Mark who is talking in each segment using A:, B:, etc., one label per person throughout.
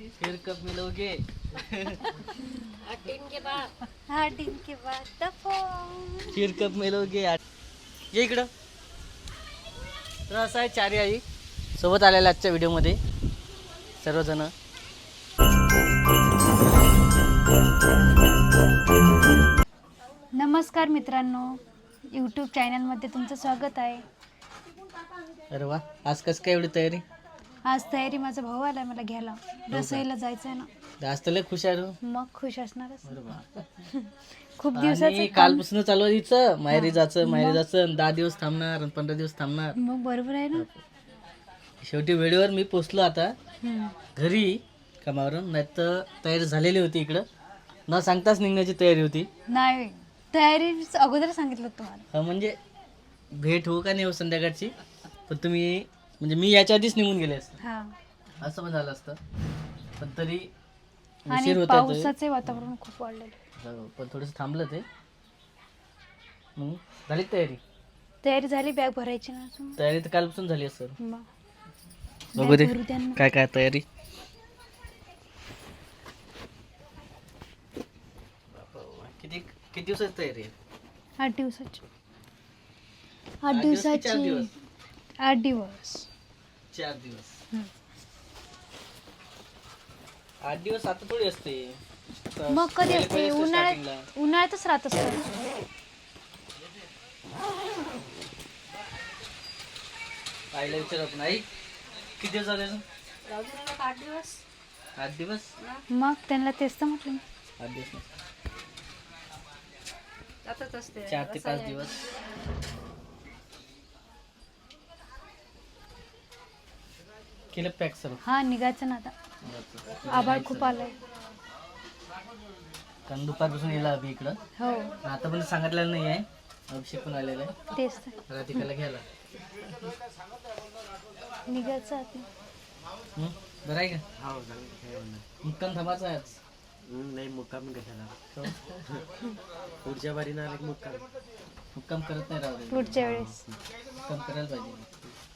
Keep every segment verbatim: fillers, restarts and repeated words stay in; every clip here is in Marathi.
A: फिर कब मिलोगे?
B: आठ दिन के बाद
C: आठ दिन के बाद तफो
A: फिर कब मिलोगे? ये इकडं. तर असं आहे चारी आई सोबत आलेल्या आजच्या व्हिडिओमध्ये सर्वजण.
C: नमस्कार मित्रांनो, यूट्यूब चॅनलमध्ये तुमचं स्वागत आहे.
A: अरे वा, आज कसं काय एवढी तयारी?
C: आज तयारी, माझा भाऊ आलाय मला घ्यायला. रसोईला जायचं आहे ना.
A: आज तर लय खुश आहे रे.
C: मग खुश असणारच.
A: अरे वा.
C: खूप
A: आणि
C: दिवसाचं
A: कालपासून चालू आहे हिचं, माहेरी जायचं माहेरी जायचं, दहा दिवस थांबणार आणि पंधरा दिवस थांबणार.
C: मग बरोबर आहे ना.
A: शेवटी वेळेवर मी पोचलो आता
C: हम्म.
A: घरी कामावरून. नाही तर तयारी झालेली होती इकडं, न सांगताच निघण्याची तयारी होती.
C: नाही, तयारी अगोदर सांगितलं होतं तुम्हाला.
A: हा, म्हणजे भेट हो का नाही हो संध्याकाळची, पण तुम्ही म्हणजे मी याच्या आधीच निघून गेले असते
C: हा.
A: असं पण झालं असतं. पण तरी
C: आणि
A: उशीर होता ते.
C: पावसाचे वातावरण खूप वाढलेलं.
A: हो, पण थोडंसं थांबलं ते. मग झाली तयारी?
C: तयारी झाली, बॅग भरायची ना अजून.
A: तयारी तर कालपासून झाली असेल.
C: मग
A: बघू दे
C: बॅग भरू द्या ना.
A: काय काय तयारी. किती किती दिवसाची तयारी आहे?
C: आठ दिवसाची. आठ
A: आठ दिवस की चार
C: दिवसाची.
A: दिवस?
C: आठ दिवस.
A: चार दिवस.
C: हम्म.
A: आठ दिवस आता थोडी असते.
C: मग कधी
A: पहिले-
C: असते?
A: पहिले असते
C: उन्हाळ्यात.
A: starting
C: उन्हाळ्यातच राहत असतं.
A: ला. आईला विचार आपण, आई किती दिवस झाले ना?
B: आठ दिवस
A: आठ दिवस.
C: मग त्यांना तेच तर म्हटलं.
A: आठ दिवस नाही.
B: जातच असते.
A: चार ते पाच दिवस. केलं पॅक सर्व.
C: हा, निघायचं ना आता. आभाळ खूप आलंय.
A: कारण दुपारपासून येला अभि इकडं.
C: हो,
A: आता पण सांगितलेलं नाही आहे. अभिषेक पण आलेला आहे
C: तेच तर.
A: राधिकाला घ्यायला.
C: निघायचं आता.
A: हं? बरं आहे का? मुक्काम थांबायचा आहे आज.
D: नाही मुक्काम कशाला,
A: हो.
D: पुढच्या बारीनं आले की मुक्काम.
A: मुक्काम करत नाही राहू दे.
C: पुढच्या वेळेस.
A: मुक्काम करायला पाहिजे.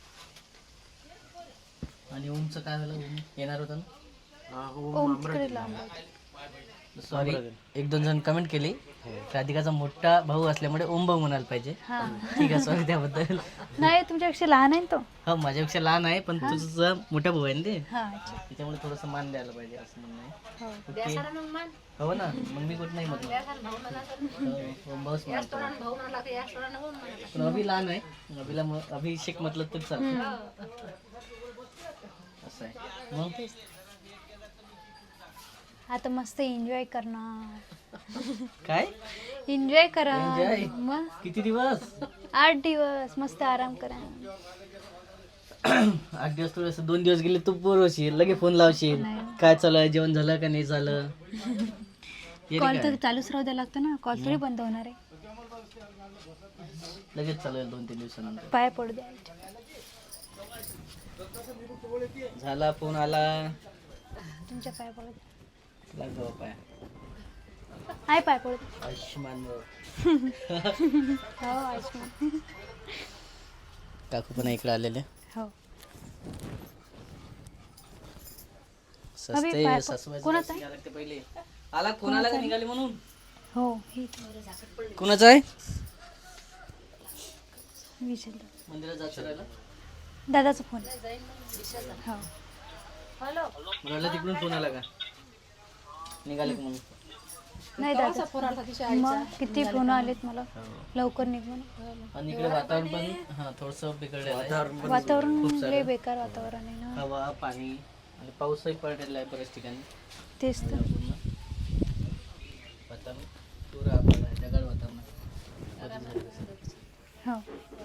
A: आणि ओमचं काय झालं? ओम येणार होता ना?
D: हा, हो,
C: ओम
D: मामरा
C: तिकडे
D: दिला.
C: लांब आहे.
A: सॉरी, एक दोन जण कमेंट केली राधिकाचा मोठा भाऊ असल्यामुळे ओम भाऊ म्हणायला पाहिजे.
C: हा.
A: ठीक आहे, सॉरी त्याबद्दल.
C: नाही, तुमच्यापेक्षा लहान आहे ना तो.
A: हा, माझ्यापेक्षा लहान आहे, पण तुझा मोठा भाऊ आहे ना ते,
C: हा, अच्छा.
A: त्याच्यामुळे थोडंसं मान द्यायला पाहिजे असं म्हणणं आहे.
C: हो.
A: ओके. हो ना, मग मी कुठं नाही म्हटलं. हो, ओम भाऊच म्हणतो.
B: भाऊ म्हणला की या सोडानं भाऊ म्हणला.
A: पण अभि लहान आहे, अभिला म- अभिषेक म्हटलं तर चालतं. असं आहे. मग
C: आता मस्त एन्जॉय करणार.
A: काय
C: एन्जॉय करा.
A: Enjoy?
C: मग
A: किती दिवस?
C: आठ दिवस मस्त आराम करा.
A: आठ दिवस थोडस, दोन दिवस गेले तू बोर होशील, लगे फोन लावशील,
C: नाही.
A: काय चालू आहे, जेवण झालं का नाही झालं. ये रे
C: कॉल
A: काय?
C: तर चालूच राहू द्या लागतं ना. कॉल थोडी बंद होणार आहे.
A: लगेच चालू आहे दोन तीन दिवसानंतर.
C: पाय पडू द्या.
A: झाला, फोन आला.
C: तुमच्या पाय पडू द्या.
A: लागलो पाय.
C: आहे, पाय पडू द्या.
A: आयुष्यमान भाऊ.
C: हो, आयुष्मान.
A: काकू पण इकडे आलेले.
C: हो.
A: सस्ते
C: अभि, पाय-
A: सासूबाईचं
C: कोणाचं
A: लक्ष घ्यायला लागते पहिले. आला, कोणाला का निघाले म्हणून.
C: हो, हे
A: कोणाचं आहे?
C: विचार.
A: मंदिरात जायचं राहिलं.
C: दादाचा फोन. हो.
A: मला वाटलं तिकडून फोन आला का निघाले का म्हणून.
C: नाही दादा. मग किती फोन आलेत मला, लवकर निघ म्हणून.
A: आणि इकडे वातावरण पण हा थोडंसं बिघडलेलं आहे.
C: वातावरण
A: खूप सारं.
C: लय बेकार वातावरण आहे ना.
A: हवा, पाणी आणि पाऊसही पडलेला आहे बऱ्याच ठिकाणी.
C: तेच तर.
A: पूर्ण वातावरण पुरं आपलं आहे, ढगाळ वातावरण आहे.
C: हो.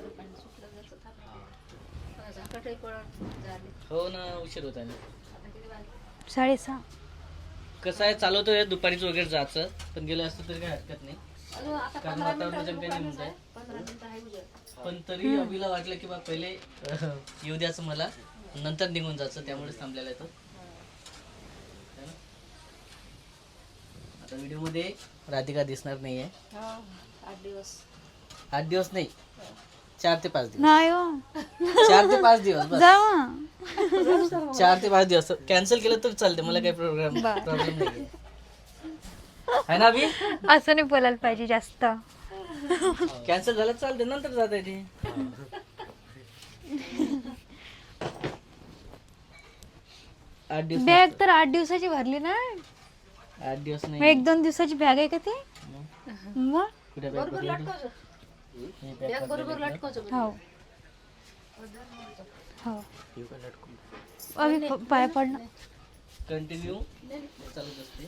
B: झाकटही पडत झाले.
A: हो ना, उशीर होत आहे ना.
C: साडेसहा.
A: कसं आहे, चालवतोय दुपारीच वगैरे जायचं, पण गेलं असतं तरी काही हरकत नाही.
B: अजून आता
A: कारण वातावरण जमते नाही म्हणत आहे.
B: पंधरा मिनिटं आहे उद्या.
A: पण तरी अभिला वाटलं की बा पहिले अह, येऊ द्याचं मला, नंतर निघून जायचं, त्यामुळेच थांबलेला आहे तो. है ना? आता व्हिडिओ मध्ये राधिका दिसणार नाहीये.
B: हो, आठ दिवस
A: आठ दिवस नाही, चार ते पाच दिवस
C: नाही हो
A: चार ते पाच दिवस बस
C: जा मग.
A: चार ते पाच दिवस कॅन्सल केलं तर चालते मला काही प्रोग्राम प्रॉब्लेम नाही आहे ना अभि
C: असं नाही बोलायला पाहिजे जास्त.
A: कॅन्सल झालं चालते नंतर जाता येते आठ दिवस
C: बॅग तर आठ दिवसाची भरली ना.
A: आठ दिवस
C: मग
A: नाही
C: एक दोन दिवसाची बॅग आहे का ती मग.
A: कुठे बॅग
B: बरोबर लटकवतो बॅग बरोबर लटकवतो
C: हो हो अभि प- पाय पडणं.
A: कंटिन्यू चालूच असते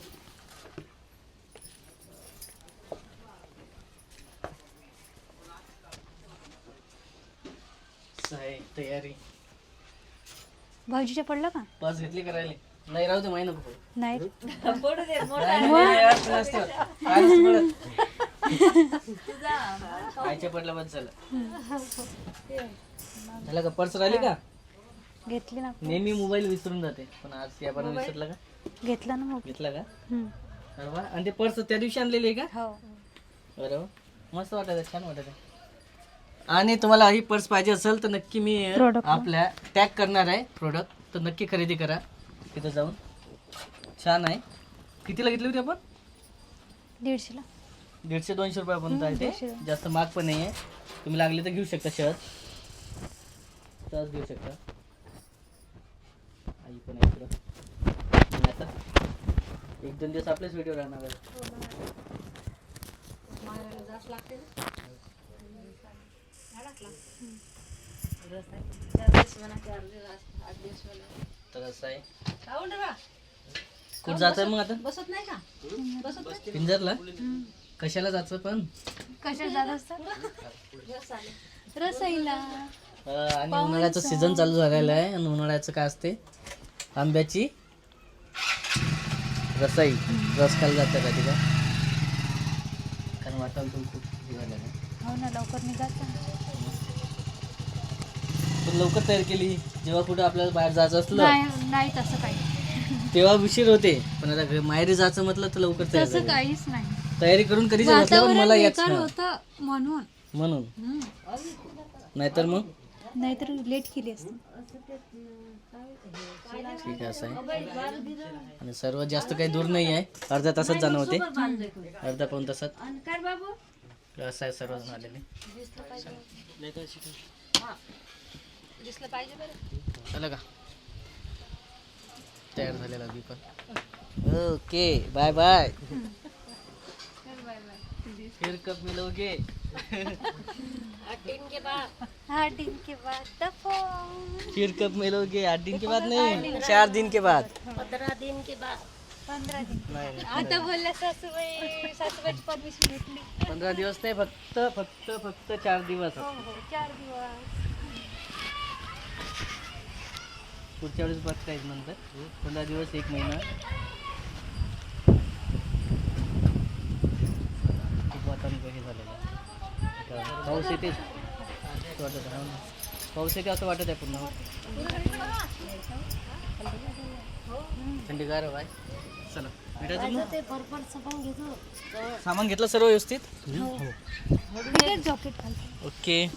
A: आहे तयारी
C: भाऊजीच्या पडलं का
A: पास घेतली करायला नाही राहू दे माही नको पडू.
C: नाही.
A: नाही, नाही, नाही, असं नसतं. आधीच पडत. आईच्या पडला बस झालं झालं का पर्स राहिली का
C: घेतली ना
A: नेहमी मोबाईल विसरून जाते पण आज या पण विसरला का
C: घेतला ना मग.
A: घेतला का
C: हम्म.
A: अरे वा आणि ते पर्स त्या दिवशी आणलेली आहे का
C: हो
A: अरे वा मस्त वाटत छान वाटत आणि तुम्हाला ही पर्स पाहिजे असेल तर नक्की मी
C: Product.
A: आपल्या टॅग करणार आहे प्रोडक्ट तर नक्की खरेदी करा तिथं जाऊन छान आहे कितीला घेतली होती आपण
C: दीडशेला.
A: दीडशे दोनशे रुपयापर्यंत आहे
C: दीडशे.
A: ते जास्त महाग पण नाही आहे तुम्ही लागले तर घेऊ शकता शहर सहज घेऊ शकता आई पण आहे इकडं आणि आता एक दोन दिवस आपलेच व्हिडिओ राहणार आहे
B: मारायला जास्त लागते ना झाडात लागते. रस आहे. चार दिवस म्हणा चार दिवस आठ दिवस म्हणा
A: तर असं आहे
B: खाऊन रे बा.
A: कुठं जात आहे मग आता
B: बसत नाही का बसत नाही
A: पिंजरला कशाला जायचं पण
C: कशा जात असतात
B: रस आले
C: रसईला.
A: अं, आणि उन्हाळ्याचं सीझन चालू झालेलं आहे आणि उन्हाळ्याचं काय असते आंब्याची रसाई रस खायला जातं का तिला कारण वातावरण खूप हे झालेलं आहे
C: हो ना लवकर निघायचं.
A: पण लवकर तयार केली जेव्हा कुठं आपल्याला बाहेर जायचं असलं
C: नाही नाही तसं काही
A: तेव्हा उशीर होते पण आता घ- माहेरी जायचं म्हटलं तर लवकर तयार
C: तसं
A: झाली.
C: काहीच नाही.
A: तयारी करून कधीच बसल्या पण
C: वातावरण
A: मला याच
C: बेकार
A: हा.
C: होतं म्हणून.
A: म्हणून
C: हम्म.
A: नाहीतर मग
C: नाहीतर लेट केली असते.
A: ठीक आहे असं आहे आणि सर्वात जास्त काही दूर नाही आहे अर्ध्या तासात जाणं होते अर्धा पाऊन तासात
B: काय बाबू
A: असं आहे सर्वजण आलेले
B: दिसलं पाहिजे बरं
A: चला का तयार झालेला बी पण ओके बाय बाय फिर कब मिलोगे
B: आठ दिन के बाद
C: आठ दिन के बाद दफा.
A: फिर कब मिलोगे आठ दिन के बाद नहीं चार दिन के बाद
B: पंधरा दिन के बाद
C: पंधरा दिन.
A: नाही नाही.
C: आता बोलल्या सासूबाई सासूबाईची परमिशन घेतली.
A: पंधरा दिवस नाही फक्त फक्त फक्त चार दिवस
C: हो हो चार दिवस.
A: पुढच्या वेळेस बघता येईल नंतर पंधरा दिवस एक महिना खूप वातावरण कमी झालेलं आहे आता पाऊस येते असं वाटत आहे हो ना. पाऊस येते असं वाटत आहे पूर्ण थंडीगार आहे चला भेटायचं मग
B: ते बरोबर सगळं घेतो
A: सामान घेतलं सर्व व्यवस्थित
C: लगेच जॉकेट घालते.
A: ओके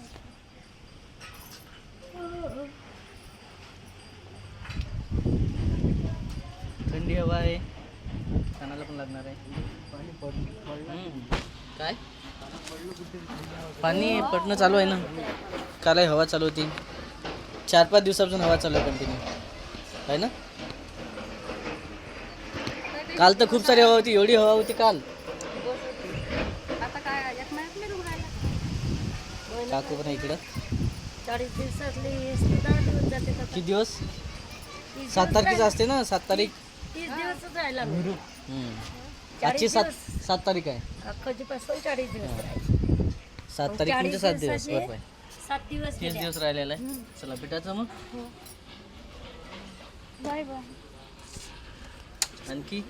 A: थंडी हवा आहे कानाला पण लागणार आहे हम्म. काय पाणी पडणं चालू आहे ना काल हवा चालू होती चार पाच दिवसापासून हवा चालू आहे कंटिन्यू आहे ना काल तर खूप सारी हवा होती एवढी हवा होती काल
B: आता काय एक महिन्यात नाही रुग्णाला
A: काकू पण आहे इकडं
B: चाळीस दिवसातले दहा दिवस जाते का
A: किती दिवस सात तारखेचं असते ना सात तारीख
B: तीस दिवसच राहिला
A: हम्म. आजची सात सात तारीख आहे
B: अख्खजीपासून चाळीस दिवस राहिले
A: सात तारीख म्हणजे सात दिवस
B: दिवसाचे
A: बरोबर आहे
B: सात दिवस
A: तीस दिवस राहिलेला आहे चला भेटायचं मग
C: बाय बाय.
A: आणखी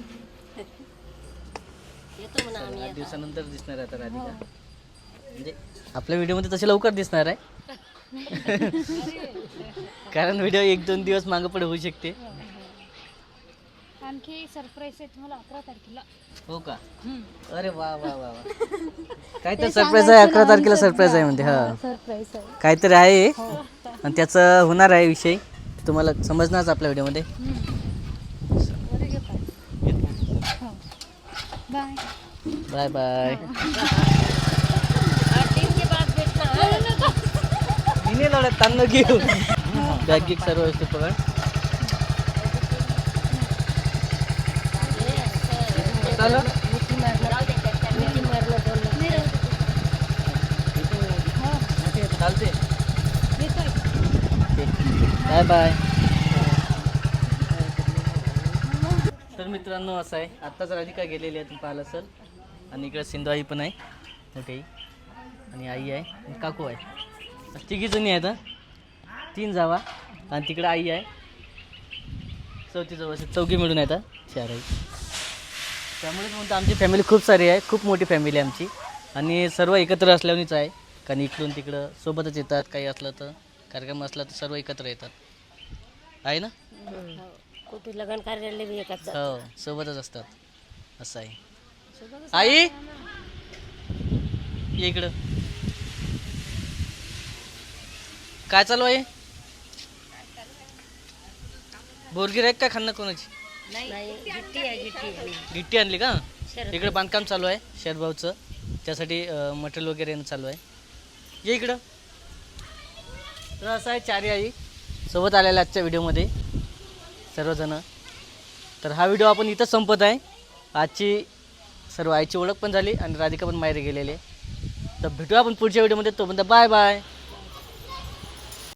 B: येतो म्हणा आम्ही
A: आठ दिवसानंतर दिसणार आहे आता राधिका म्हणजे आपल्या व्हिडिओमध्ये तसे लवकर दिसणार आहे कारण व्हिडिओ एक दोन दिवस मागं पुढे होऊ शकते
C: आणखी सरप्राईज आहे तुम्हाला अकरा तारखेला.
A: हो का? अरे वा वा वा वा. काहीतरी सरप्राईज आहे, अकरा तारखेला सरप्राईज आहे म्हणते. हा
C: सरप्राईज आहे.
A: काहीतरी आहे आणि त्याचं होणार आहे विषय, तुम्हाला समजणारच आपल्या व्हिडिओमध्ये.
C: Bye
A: bye bye. मी नाही लढत, तांदूळ घेऊ. बॅग गिक सर्व व्यवस्थित पकड. चालेल? चालते. Bye bye. तर मित्रांनो असं आहे, आत्ताच राधिका गेलेली आहे, तुम्ही पाहिलं असेल. आणि इकडे सिंधू आई पण आहे मोठी, आणि आई आहे आणि काकू आहे. तिघी जणी आहेत, तीन जावा, आणि तिकडे आई आहे चौथी जवळ. चौघी मिळून येतात चार आई. त्यामुळेच म्हणतो आमची फॅमिली खूप सारी आहे, खूप मोठी फॅमिली आहे आमची, आणि सर्व एकत्र असल्यानेच आहे. कारण इकडून तिकडं सोबतच येतात, काही असलं तर कार्यक्रम असला तर सर्व एकत्र येतात, आहे ना.
B: कुठे लग्न कार्यालय बी एकाच
A: हो, सोबतच असतात, असं आहे. आई ये इकडं. काय चालू आहे? बोरगी आहे का खाणं कोणाची?
B: नाही गिट्टी आहे गिट्टी
A: गिट्टी आणली का? इकडे बांधकाम चालू आहे शेरभाऊचं, त्यासाठी मटेरियल वगैरे येणं चालू आहे. ये इकडं. तर असं आहे, चारी आई सोबत आलेल्या आजच्या व्हिडिओमध्ये सर्वजण. तर हा व्हिडिओ आपण इथंच संपत आहे. आजची सर्व आईची ओळख पण झाली आणि राधिका पण माहेरी गेलेली आहे. तर भेटूया आपण पुढच्या व्हिडिओमध्ये. तोपर्यंत बाय बाय.